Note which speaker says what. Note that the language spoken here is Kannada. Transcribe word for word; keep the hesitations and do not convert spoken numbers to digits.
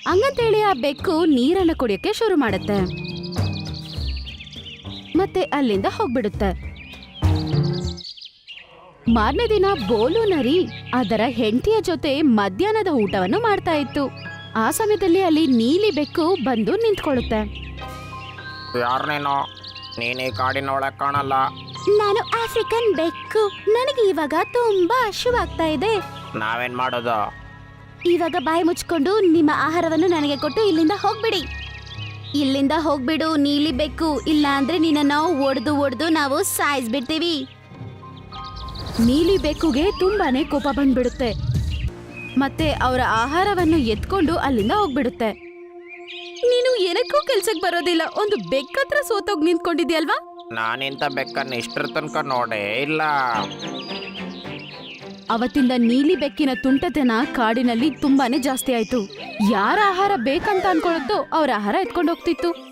Speaker 1: ಹಂಗಂತೇಳಿ ಆ ಬೆಕ್ಕು ನೀರನ್ನ ಕುಡಿಯಕ್ಕೆ ಶುರು ಮಾಡುತ್ತೆ ಮತ್ತೆ ಅಲ್ಲಿಂದ ಹೋಗ್ಬಿಡುತ್ತೆ. ಮಾರನೇ ದಿನ ಬೋಲು ನರಿ ಅದರ ಹೆಂಡತಿಯ ಜೊತೆ ಮಧ್ಯಾಹ್ನದ ಊಟವನ್ನು ಮಾಡ್ತಾ ಇತ್ತು. ಆ ಸಮಯದಲ್ಲಿ ಅಲ್ಲಿ ನೀಲಿ ಬೆಕ್ಕು ಬಂದು ನಿಂತ್ಕೊಳ್ಳುತ್ತೆ.
Speaker 2: ಯಾರನೇನೋ ನೀನು ಈ ಕಾಡಿನೊಳಗೆ ಕಾಣಲ್ಲ.
Speaker 1: ನಾನು ಆಫ್ರಿಕನ್ ಬೆಕ್ಕು. ನನಗೆ ಇವಾಗ ತುಂಬಾ ಹಸಿವಾಗ್ತಾ ಇದೆ.
Speaker 2: ನಾವೇನ್ ಮಾಡೋದು?
Speaker 1: ಇವಾಗ ಬಾಯಿ ಮುಚ್ಕೊಂಡು ನಿಮ್ಮ ಆಹಾರವನ್ನು ನನಗೆ ಕೊಟ್ಟು ಇಲ್ಲಿಂದ ಹೋಗ್ಬಿಡಿ. ಇಲ್ಲಿಂದ ಹೋಗ್ಬಿಡು ನೀಲಿ ಬೆಕ್ಕು, ಇಲ್ಲ ಅಂದ್ರೆ ನಿನ್ನ ನಾವು ಒಡೆದು ಒಡೆದು ನಾವು ಸಾಯಿಸ್ಬಿಡ್ತೀವಿ. ನೀಲಿ ಬೆಕ್ಕುಗೆ ತುಂಬಾನೇ ಕೋಪ ಬಂದ್ಬಿಡುತ್ತೆ ಮತ್ತೆ ಅವರ ಆಹಾರವನ್ನು ಎತ್ಕೊಂಡು ಅಲ್ಲಿಂದ ಹೋಗ್ಬಿಡುತ್ತೆ. ನೀನು ಏನಕ್ಕೂ ಕೆಲ್ಸಕ್ಕೆ ಬರೋದಿಲ್ಲ, ಒಂದು ಬೆಕ್ಕತ್ರ ಸೋತೋಗ್ ನಿಂತ್ಕೊಂಡಿದ್ಯಲ್ವಾ?
Speaker 2: ನಾನಿಂತ ಬೆಕ್ಕನ್ನು ಇಷ್ಟರ ತನಕ ನೋಡೇ ಇಲ್ಲ.
Speaker 1: ಅವತ್ತಿಂದ ನೀಲಿ ಬೆಕ್ಕಿನ ತುಂಟತನ ಕಾಡಿನಲ್ಲಿ ತುಂಬಾನೇ ಜಾಸ್ತಿ ಆಯ್ತು. ಯಾರ ಆಹಾರ ಬೇಕಂತ ಅನ್ಕೊಳ್ಳುತ್ತೋ ಅವ್ರ ಆಹಾರ ಎತ್ಕೊಂಡು ಹೋಗ್ತಿತ್ತು.